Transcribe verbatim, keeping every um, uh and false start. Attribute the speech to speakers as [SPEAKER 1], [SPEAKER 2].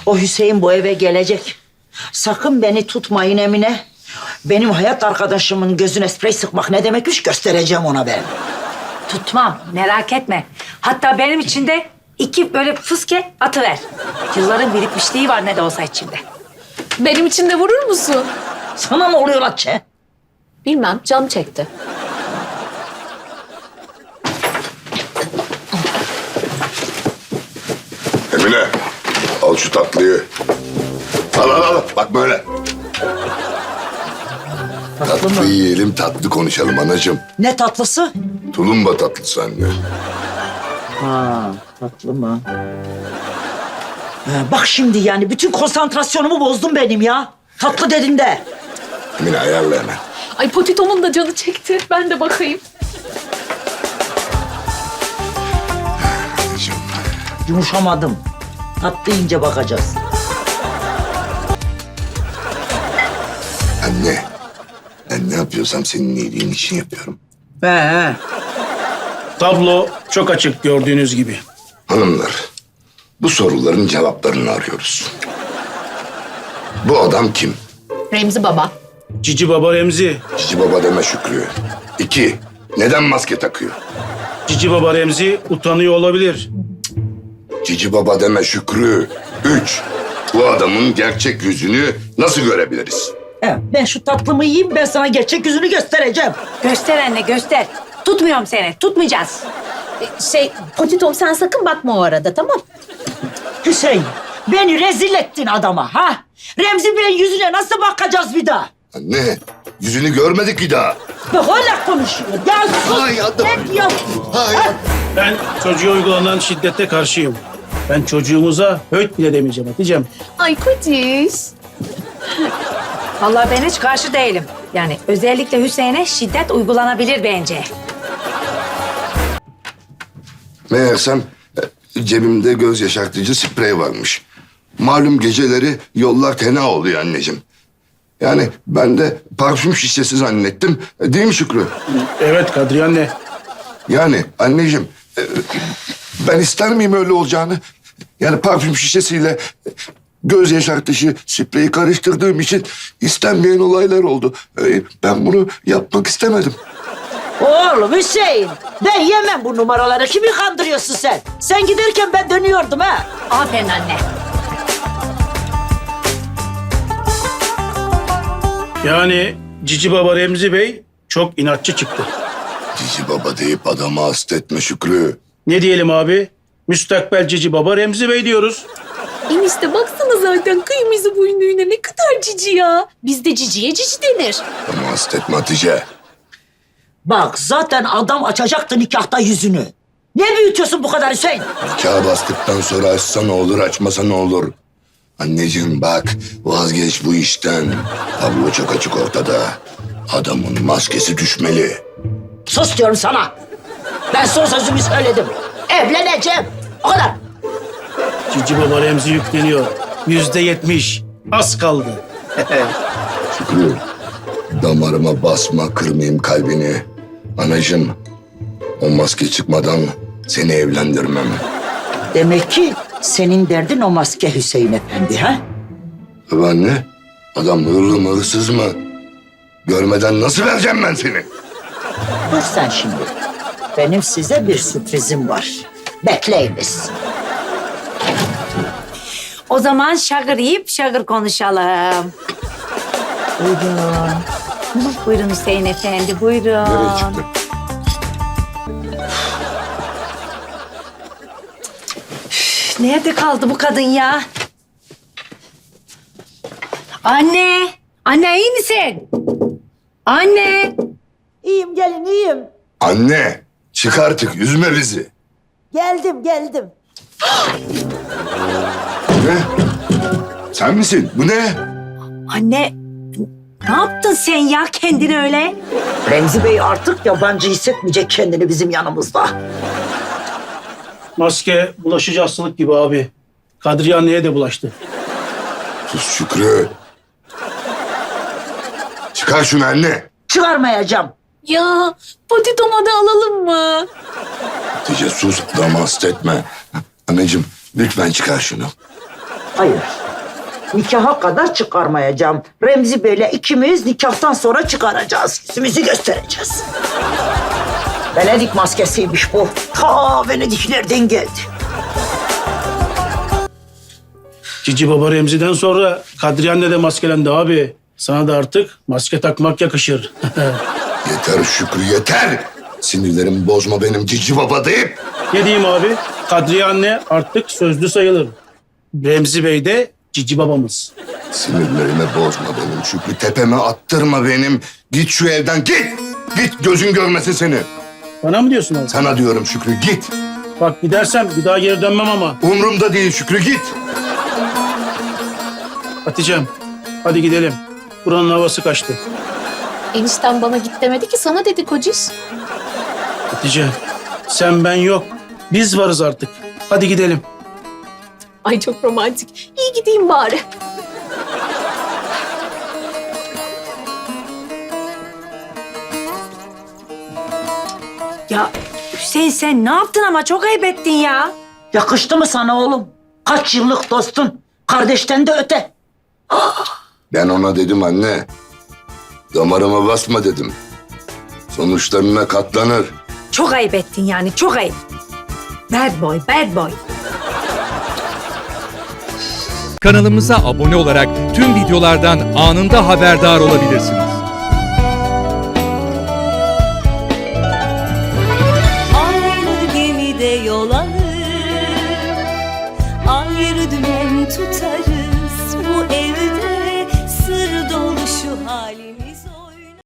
[SPEAKER 1] O Hüseyin bu eve gelecek. Sakın beni tutmayın Emine. Benim hayat arkadaşımın gözüne sprey sıkmak ne demekmiş göstereceğim ona ben.
[SPEAKER 2] Tutmam, merak etme. Hatta benim için de iki böyle fıske atıver. Yılların birikmişliği var ne de olsa içimde.
[SPEAKER 3] Benim için de vurur musun?
[SPEAKER 1] Sana ne oluyor Hatice?
[SPEAKER 3] Bilmem, canım çekti.
[SPEAKER 4] Emine, al şu tatlıyı. Al al al, bak böyle.
[SPEAKER 1] Tatlı
[SPEAKER 4] Tatlı
[SPEAKER 1] mı?
[SPEAKER 4] yiyelim, tatlı konuşalım anacığım.
[SPEAKER 1] Ne tatlısı?
[SPEAKER 4] Tulumba tatlısı anne.
[SPEAKER 1] Ha, tatlı mı? Ha, bak şimdi yani bütün konsantrasyonumu bozdun benim ya. Tatlı dedin de.
[SPEAKER 4] Emine ayarla hemen.
[SPEAKER 3] Ay Potito'nun da canı çekti. Ben de bakayım.
[SPEAKER 4] Anacığım.
[SPEAKER 1] Yumuşamadım. Tatlı yiyince bakacağız.
[SPEAKER 4] Anne, ben ne yapıyorsam senin iyiliğin için yapıyorum.
[SPEAKER 1] He he.
[SPEAKER 5] Tablo çok açık gördüğünüz gibi.
[SPEAKER 4] Hanımlar, bu soruların cevaplarını arıyoruz. Bu adam kim?
[SPEAKER 3] Remzi Baba.
[SPEAKER 5] Cici Baba Remzi.
[SPEAKER 4] Cici Baba deme Şükrü. İki, neden maske takıyor?
[SPEAKER 5] Cici Baba Remzi utanıyor olabilir.
[SPEAKER 4] Cici Baba deme Şükrü. Üç, bu adamın gerçek yüzünü nasıl görebiliriz?
[SPEAKER 1] He, ben şu tatlımı yiyeyim ben sana gerçek yüzünü göstereceğim.
[SPEAKER 2] Göster anne, göster. Tutmuyorum seni, tutmayacağız.
[SPEAKER 3] Şey, Potito sen sakın bakma o arada, tamam?
[SPEAKER 1] Hüseyin beni rezil ettin adama ha. Remzi Bey'in yüzüne nasıl bakacağız bir daha?
[SPEAKER 4] Anne, yüzünü görmedik bir daha.
[SPEAKER 1] Bak hala konuşuyor. Ya sus.
[SPEAKER 4] Ay, adam.
[SPEAKER 1] Ne diyorsun?
[SPEAKER 4] Hayır.
[SPEAKER 5] Ben çocuğa uygulanan şiddete karşıyım. Ben çocuğumuza höt bile demeyeceğim Hatice'm.
[SPEAKER 3] Ay Kotiş.
[SPEAKER 2] Vallahi ben hiç karşı değilim. Yani özellikle Hüseyin'e şiddet uygulanabilir bence.
[SPEAKER 4] Meğersem e, cebimde göz yaşartıcı sprey varmış. Malum geceleri yollar tena oluyor anneciğim. Yani ben de parfüm şişesi zannettim. E, Değil mi Şükrü?
[SPEAKER 5] Evet Kadriye anne.
[SPEAKER 4] Yani anneciğim e, ben ister miyim öyle olacağını? Yani parfüm şişesiyle e, göz yaşartıcı spreyi karıştırdığım için istenmeyen olaylar oldu. E, Ben bunu yapmak istemedim.
[SPEAKER 1] Oğlum Hüseyin ben yemem bu numaraları. Kimi kandırıyorsun sen? Sen giderken ben dönüyordum ha.
[SPEAKER 2] Aferin anne.
[SPEAKER 5] Yani Cici Baba Remzi Bey çok inatçı çıktı.
[SPEAKER 4] Cici baba deyip adamı hasta etme Şükrü.
[SPEAKER 5] Ne diyelim abi? Müstakbel Cici Baba Remzi Bey diyoruz.
[SPEAKER 3] Enişte baksana zaten kıyımızı boynuyla ne kadar cici ya. Bizde ciciye cici denir.
[SPEAKER 4] Ama hasta etme Hatice.
[SPEAKER 1] Bak zaten adam açacaktı nikahta yüzünü. Ne büyütüyorsun bu kadar Hüseyin?
[SPEAKER 4] Nikah bastıktan sonra açsa ne olur, açmasa ne olur? Anneciğim bak, vazgeç bu işten. Tablo çok açık ortada. Adamın maskesi düşmeli.
[SPEAKER 1] Sus diyorum sana. Ben son sözümü söyledim. Evleneceğim. O kadar.
[SPEAKER 5] Cici Baba Remzi yükleniyor. Yüzde yetmiş. Az kaldı.
[SPEAKER 4] Şükrü, damarıma basma, kırmayayım kalbini. Anacığım, o maske çıkmadan seni evlendirmem.
[SPEAKER 1] Demek ki senin derdin o maske Hüseyin Efendi ha?
[SPEAKER 4] Tabii anne, adam hırlı mı, hırsız mı? Görmeden nasıl vereceğim ben seni?
[SPEAKER 1] Dur sen şimdi. Benim size bir sürprizim var. Bekleyiniz.
[SPEAKER 2] O zaman şagır yiyip şagır konuşalım. Buyurun. Buyurun Hüseyin Efendi, buyurun.
[SPEAKER 4] Nereye çıktı?
[SPEAKER 2] Nerede kaldı bu kadın ya? Anne! Anne iyi misin? Anne!
[SPEAKER 1] İyiyim gelin iyiyim.
[SPEAKER 4] Anne, çık artık, üzme bizi.
[SPEAKER 1] Geldim geldim.
[SPEAKER 4] Ne? Sen misin? Bu ne?
[SPEAKER 2] Anne! Ne yaptın sen ya kendini öyle?
[SPEAKER 1] Remzi Bey artık yabancı hissetmeyecek kendini bizim yanımızda.
[SPEAKER 5] Maske bulaşıcı hastalık gibi abi. Kadriye anneye de bulaştı.
[SPEAKER 4] Sus Şükrü. Çıkar şunu anne.
[SPEAKER 1] Çıkarmayacağım.
[SPEAKER 3] Ya Potito'ma da alalım mı?
[SPEAKER 4] Hatice sus, adamı hasta etme. Anneciğim lütfen çıkar şunu.
[SPEAKER 1] Hayır. Nikaha kadar çıkarmayacağım. Remzi Bey'le ikimiz nikahtan sonra çıkaracağız. Yüzümüzü göstereceğiz. Venedik maskesiymiş bu. Ta Venediklerden geldi.
[SPEAKER 5] Cici Baba Remzi'den sonra Kadriye anne de maskelendi abi. Sana da artık maske takmak yakışır.
[SPEAKER 4] Yeter Şükrü yeter. Sinirlerimi bozma benim cici baba deyip.
[SPEAKER 5] Ne diyeyim abi? Kadriye anne artık sözlü sayılır. Remzi Bey de Cici Babamız.
[SPEAKER 4] Sinirlerimi bozma benim Şükrü. Tepeme attırma benim. Git şu evden git. Git gözün görmesin seni.
[SPEAKER 5] Bana mı diyorsun abi?
[SPEAKER 4] Sana diyorum Şükrü git.
[SPEAKER 5] Bak gidersem bir daha geri dönmem ama.
[SPEAKER 4] Umrumda değil Şükrü git.
[SPEAKER 5] Hatice'm hadi gidelim. Buranın havası kaçtı.
[SPEAKER 3] Enişten bana git demedi ki sana dedi kociş.
[SPEAKER 5] Hatice sen ben yok. Biz varız artık. Hadi gidelim.
[SPEAKER 3] Ay çok romantik. İyi gideyim bari.
[SPEAKER 2] Ya Hüseyin sen ne yaptın ama çok ayıp ettin ya.
[SPEAKER 1] Yakıştı mı sana oğlum? Kaç yıllık dostun. Kardeşten de öte.
[SPEAKER 4] Ben ona dedim anne. Damarıma basma dedim. Sonuçlarına katlanır.
[SPEAKER 2] Çok ayıp ettin yani çok ayıp. Bad boy, bad boy.
[SPEAKER 6] Kanalımıza abone olarak tüm videolardan anında haberdar olabilirsiniz.
[SPEAKER 7] Aynı gemide yol alır, ayrı dümen tutar.